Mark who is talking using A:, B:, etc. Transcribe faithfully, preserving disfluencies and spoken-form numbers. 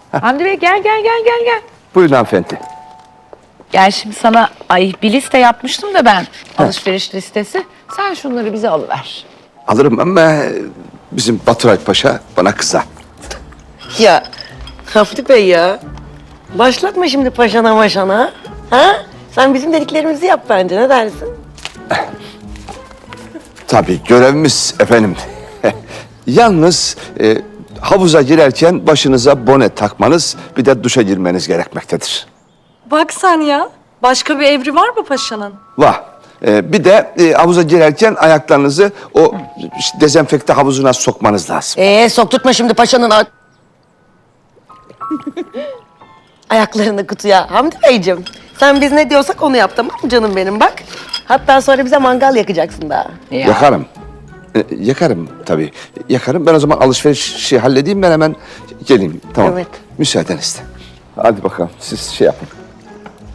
A: Hamdi Bey gel gel gel gel gel.
B: Buyurun hanımefendi.
A: Gel şimdi sana ay bir liste yapmıştım da ben. Alışveriş listesi. Sen şunları bize alıver.
B: Alırım ama bizim Baturay Paşa bana kızar.
C: Ya Hamdi Bey ya. Başlatma şimdi paşana maşana. Ha? Sen bizim dediklerimizi yap bence, ne dersin?
B: Tabii görevimiz efendim. Yalnız e, havuza girerken başınıza bone takmanız, bir de duşa girmeniz gerekmektedir.
D: Bak sen ya. Başka bir evri var mı paşanın?
B: Vah. E, bir de e, havuza girerken ayaklarınızı o işte, dezenfekte havuzuna sokmanız lazım.
C: Ee sokturtma şimdi paşanın... a- Ayaklarını kutuya. Hamdi Beyciğim, sen biz ne diyorsak onu yap, tamam mı canım benim bak. Hatta sonra bize mangal yakacaksın daha.
A: Ya.
B: Yakarım. E, yakarım tabii. Yakarım. Ben o zaman alışverişi halledeyim, ben hemen geleyim. Tamam.
C: Evet.
B: Müsaadenizle. Hadi bakalım siz şey yapın.